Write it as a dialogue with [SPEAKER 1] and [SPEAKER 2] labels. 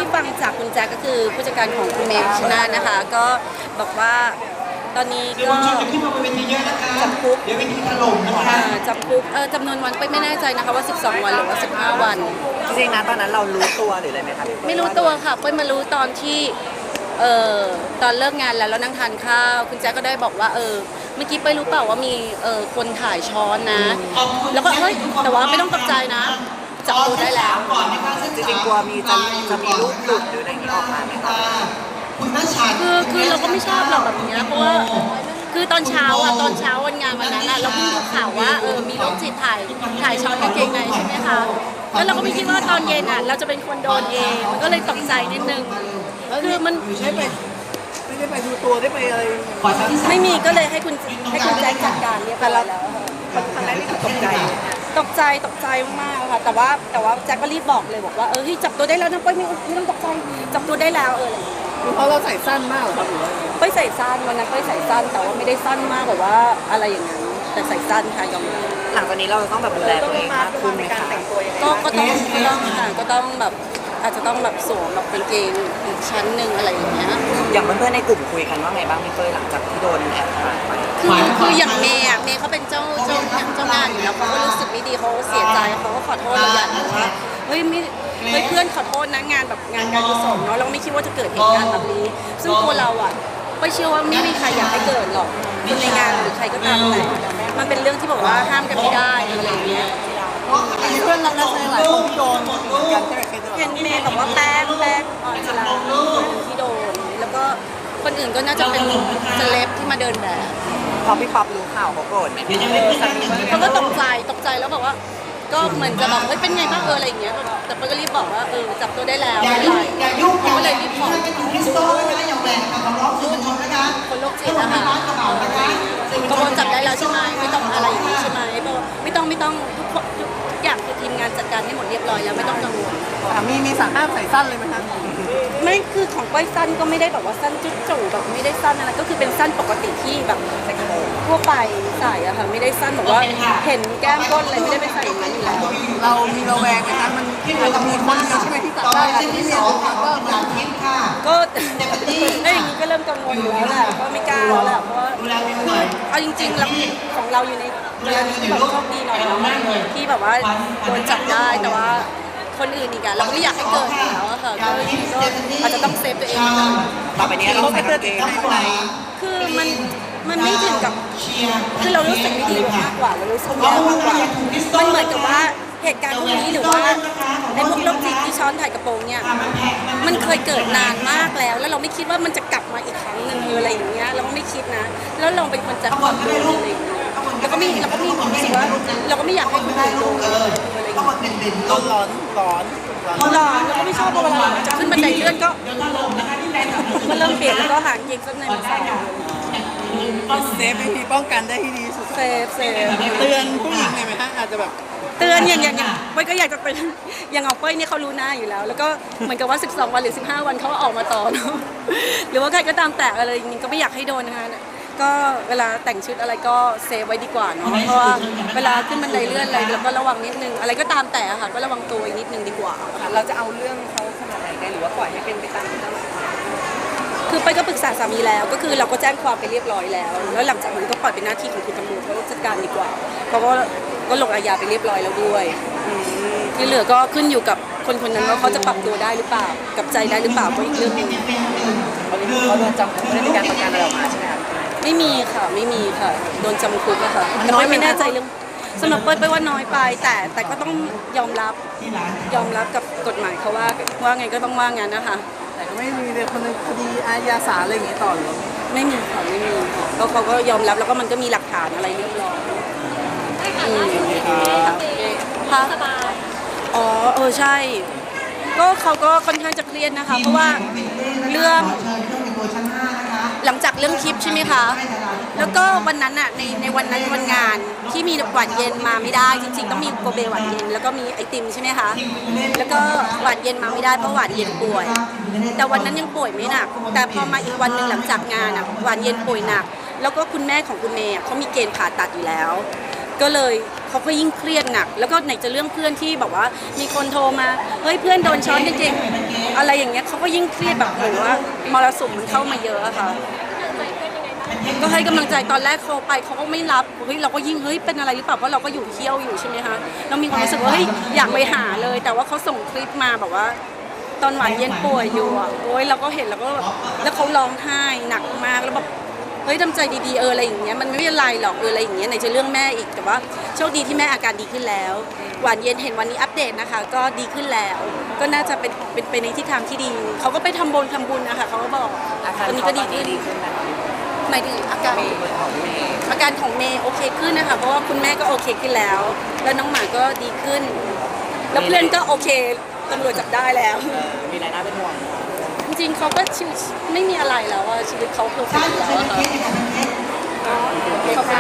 [SPEAKER 1] ที่ฟังจากคุณแจ็คก็คือผู้จัดการของคุณเมย์ชนะนะคะก็บอกว่าตอนนี้ก็จำคุกจำคุกจำนวนวันไม่แน่ใจนะคะว่า12วันหรือว่า15วัน
[SPEAKER 2] จริงๆนะตอนนั้นเรารู้ตัวหรืออะไรไหมคะ
[SPEAKER 1] ไม่รู้ตัวค่ะเป้ยมารู้ตอนที่ตอนเลิกงานแล้วนั่งทานข้าวคุณแจ๊กก็ได้บอกว่าเมื่อกี้เป้ยรู้เปล่าว่ามีคนถ่ายช้อนนะแล้วก็เฮ้ยแต่ว่าไม่ต้องตกใจนะจับตัวได้แล้ว
[SPEAKER 2] จริงๆกลัวจะมีรูปหลุดหรืออะไรอย่างนี้ออกมาไหมคะ
[SPEAKER 1] คือเราก็ไม่ชอบหรอกแบบนี้เพราะว่าคือตอนเช้าวันงานวันนั้นเราเพิ่งดูข่าวว่ามีโรคจิตถ่ายช้อนกางเกงในใช่ไหมคะแล้วเราก็ไม่คิดว่าตอนเย็นเราจะเป็นคนโดนเองมันก็เลยตกใจนิดนึงคือมัน
[SPEAKER 2] ไม่ได้ไปดูตัวได้ไปอะไร
[SPEAKER 1] ไม่มีก็เลยให้คุณแจ็คจัดการเรียบร้อยแล้ว
[SPEAKER 2] ทำได้ไม่ตกใจ
[SPEAKER 1] มากๆค่ะแต่ว่าแจ็คก็รีบบอกเลยบอกว่าเฮ้ยจับตัวได้แล้วนะเป้ยไม่ต้องตกใจจับตัวได้แล้วอะไร
[SPEAKER 2] เพราะเราใส่สั้นมากเหรอครับ
[SPEAKER 1] เป้ยใส่สั้นวันนั้นเป้ยใส่สั้นแต่ว่าไม่ได้สั้นมากแบบว่าอะไรอย่างนั้นแต่ใส่สั้นค่ะยอมรับ
[SPEAKER 2] หลังจากนี้เราต้องแบบดูแลตัวเองมากขึ้นในการแต่งตัว
[SPEAKER 1] ก็ต้องแบบอาจจะต้องแบบสวมแบบกางเกงอีกชั้นหนึ่งอะไรอย่างเงี้ย
[SPEAKER 2] อย่างเพื่อนๆในกลุ่มคุยกันว่าไงบ้างพี่เป้ยหลังจากที่โดนแอบถ่ายไป
[SPEAKER 1] คืออย่างเมย์เขาเป็นเจ้างานอยู่แล้วเขาก็รู้สึกไม่ดีเขาเสียใจเขาก็ขอโทษเราอย่างนึงว่าเฮ้ยเพื่อนขอโทษนะงานแบบงานการกุศลเนาะเราไม่คิดว่าจะเกิดเหตุการณ์แบบนี้ซึ่งตัวเราไม่เชื่อว่าไม่มีใครอยากให้เกิดหรอกคนในงานหรือใครก็ตามแต่มันเป็นเรื่องที่บอกว่าห้ามกันไม่ได้อะไรอย่างเงี้ย
[SPEAKER 2] เพื่อนเราหลายคนโดนกันใช่ไหม
[SPEAKER 1] เห็นเมย์บอกว่าแป้งออนชลาที่โดนแล้วก็คนอื่นก็น่าจะเป็นเซเลบที่มาเดินแบบ
[SPEAKER 2] พอพี่ป๊อปรู้ข่าวเขาโกรธไหม
[SPEAKER 1] เขาก็ตกใจแล้วบอกว่าก็เหมือนจะบอกเฮ้ยเป็นไงบ้างอะไรอย่างเงี้ยแต่เป้ยก็รีบบอกว่าจับตัวได้แล้วอะไรก็เลยรีบขอคนโรคจิตนะคะก็โดนจับได้แล้วใช่ไหมไม่ต้องอะไรอย่างนี้ใช่ไหมไม่ต้องทุกอย่างคือทีมงานจัดการให้หมดเรียบร้อยแล้วไม่ต้องกังวล
[SPEAKER 2] มีสั่งห้ามใส่สั้นเลยไหมคะ
[SPEAKER 1] ไม่คือของก้อยสั้นก็ไม่ได้แบบว่าสั้นจุ๊จู่แบบไม่ได้สั้นอะไรก็คือเป็นสั้นปกติที่แบบทั่วไปใส่อะค่ะไม่ได้สั้นแบบว่าเห็นแก้มก้นอะไรไม่ได้ไปใส่อย่างนั้นอยู่แล้ว
[SPEAKER 2] เรามีระแวงไหมคะมันอาจจะมีคนเดียวใช่ไหมที่ตัดได้ที่มี
[SPEAKER 1] ก็ได้อย่างนี้ก็เริ่มกังวลอยู่แล้วแหละก็ไม่กล้าแล้วแหละเพราะว่าเอาจริงๆแล้วของเราอยู่ในเรื่องที่แบบโชคดีหน่อยที่แบบว่าโดนจับได้แต่ว่าคนอื่นอีกเราก็ไม่อยากให้เกิดแล้วอะค่ะก็อาจจะต้องเซฟตัวเอง
[SPEAKER 2] ต่อไปนี้เราใส่กางเกงใน
[SPEAKER 1] คือมันไม่ถึงกับคือเรารู้สึกไม่ดีมากกว่าเรารู้สึกแย่มากกว่ามันเหมือนกับว่าเหตุการณ์พวกนี้หรือว่าไอ้พวกโรคจิตที่ช้อนถ่ายกระโปรงเนี่ยมันเคยเกิดนานมากแล้วเราไม่คิดว่ามันจะกลับมาอีกครั้งหนึ่งอะไรอย่างเงี้ยเราก็ไม่คิดนะแล้วเราเป็นคนจะขอโทษอะไรอย่างเงี้ยเราก็มีความรู้สึกว่าเราก็ไม่อยากให้คนอื่นโดนอะไรอย่างเงี้ย
[SPEAKER 2] ร้อน
[SPEAKER 1] แล้วก็ไม่ชอบเวลาจะขึ้นบันไดเลื่อนก็เริ่มเปลี่ยนแล้วก็หางเกงสั้นในมันสั้น
[SPEAKER 2] เซฟวิธีป้องกันได้ที่ดีสุด
[SPEAKER 1] เซฟ
[SPEAKER 2] เตือนผู้หญิงไหมฮะอาจจะแบบ
[SPEAKER 1] เตือนอย่างเป้ยก็อยากจะเป็นอย่างเอาเป้ยเนี่ยเขารู้หน้าอยู่แล้วแล้วก็เหมือนกับว่า12วันหรือ15วันเขาออกมาต่อเนาะหรือว่าใครก็ตามแต่อะไรอย่างนี้ก็ไม่อยากให้โดนนะคะก็เวลาแต่งชุดอะไรก็เซฟไว้ดีกว่าเนาะเพราะว่าเวลาขึ้นบันไดเลื่อนอะไรเราก็ระวังนิดนึงอะไรก็ตามแต่ค่ะก็ระวังตัวอีกนิดนึงดีกว่า
[SPEAKER 2] เราจะเอาเรื่องเขาขนาดไหนได้หรือว่าปล่อยให้เป็นไปตามที่เรา
[SPEAKER 1] คือไปก็ปรึกษาสามีแล้วก็คือเราก็แจ้งความไปเรียบร้อยแล้วหลังจากนั้นก็ปล่อยเป็นหน้าที่ของคุณตำรวจเขาจัดการดีกว่าเขาก็ลงอาญาไปเรียบร้อยแล้วด้วยที่เหลือก็ขึ้นอยู่กับคนนั้นว่าเขาจะปรับตัวได้หรือเปล่ากับใจได้หรือเปล่าก็อีกเรื่องนึง
[SPEAKER 2] เขาโดนจำคุกไม่ได้มีการประกันอะไรออกมาใช่ไหมคะ
[SPEAKER 1] ไม่มีค่ะโดนจำคุกอะค่ะแต่ไม่แน่ใจเรื่องสำหรับเป้ยว่าน้อยไปแต่ก็ต้องยอมรับกับกฎหมายเขาว่าไงก็ต้องว่างั้นนะคะ
[SPEAKER 2] แต่ก็ไม่มีเลยคดีอาญาศาลอะไรอย่างเงี้ยต่อหรือ
[SPEAKER 1] ไม่มีค่ะก็เขาก็ยอมรับแล้วก็มันก็มีหลักฐานอะไรเรียบร้อยค่ะสบายใช่ก็เขาก็ค่อนข้างจะเครียดนะคะเพราะว่าเรื่องหลังจากเรื่องคลิปใช่ไหมคะแล้วก็วันนั้นอ่ะในวันนั้นวันงานที่มีหวานเย็นมาไม่ได้จริงๆต้องมีโกเบหวานเย็นแล้วก็มีไอติมใช่ไหมคะแล้วก็หวานเย็นมาไม่ได้เพราะหวานเย็นป่วยแต่วันนั้นยังป่วยไม่หนักแต่พอมาอีกวันหนึ่งหลังจากงานอ่ะหวานเย็นป่วยหนักแล้วก็คุณแม่ของคุณเมย์เขามีเกณฑ์ผ่าตัดอยู่แล้วก็เลยเขาก็ยิ่งเครียดหนักแล้วก็ไหนจะเรื่องเพื่อนที่แบบว่ามีคนโทรมาเฮ้ยเพื่อนโดนช้อนจริงๆอะไรอย่างเงี้ยเขาก็ยิ่งเครียดแบบเหมือนว่ามรสุมมันเข้ามาเยอะอะค่ะก็ให้กำลังใจตอนแรกเขาไปเขาก็ไม่รับเฮ้ยเราก็ยิ่งเฮ้ยเป็นอะไรหรือเปล่าเพราะเราก็อยู่เที่ยวอยู่ใช่ไหมคะเรามีความรู้สึกว่าเฮ้ยอยากไปหาเลย แต่ว่าเขาส่งคลิปมาแบบว่าตอนหวานเย็นป่วยอยู่อ่ะโอ้ยเราก็เห็นแล้วก็แบบแล้วเขาร้องไห้หนักมากแล้วแบบเฮ้ยทำใจดีๆอะไรอย่างเงี้ยมันไม่เป็นไรหรอกอะไรอย่างเงี้ยไหนจะเรื่องแม่อีกแต่ว่าโชคดีที่แม่อาการดีขึ้นแล้วหวานเย็นเห็นวันนี้อัปเดตนะคะก็ดีขึ้นแล้ว ก็น่าจะเป็นไปในทิศทางที่ดีเขาก็ไปทำบุญนะคะเขาก็บอก
[SPEAKER 2] อาการ
[SPEAKER 1] ตอนนี้
[SPEAKER 2] เขา
[SPEAKER 1] ก็
[SPEAKER 2] ต
[SPEAKER 1] ดี
[SPEAKER 2] อนนี้
[SPEAKER 1] ขึ้น
[SPEAKER 2] ดีขึ้นนะคะ
[SPEAKER 1] หมายถึงอาการ
[SPEAKER 2] ของเมย์
[SPEAKER 1] อาการของเมย์โอเคขึ้นนะคะเพราะว่าคุณแม่ก็โอเคขึ้นแล้ว แล้วน้องหมาก็ดีขึ้น แล้วเพื่อนก็โอเคตำรวจจับได้แล้ว
[SPEAKER 2] มีรายได้เป็นห่วง
[SPEAKER 1] จริงๆเขาก็ชีวิตไม่มีอะไรแล้วอะชีวิตเขาเพอร์เฟกต์แล้วอะค่ะขอบคุณ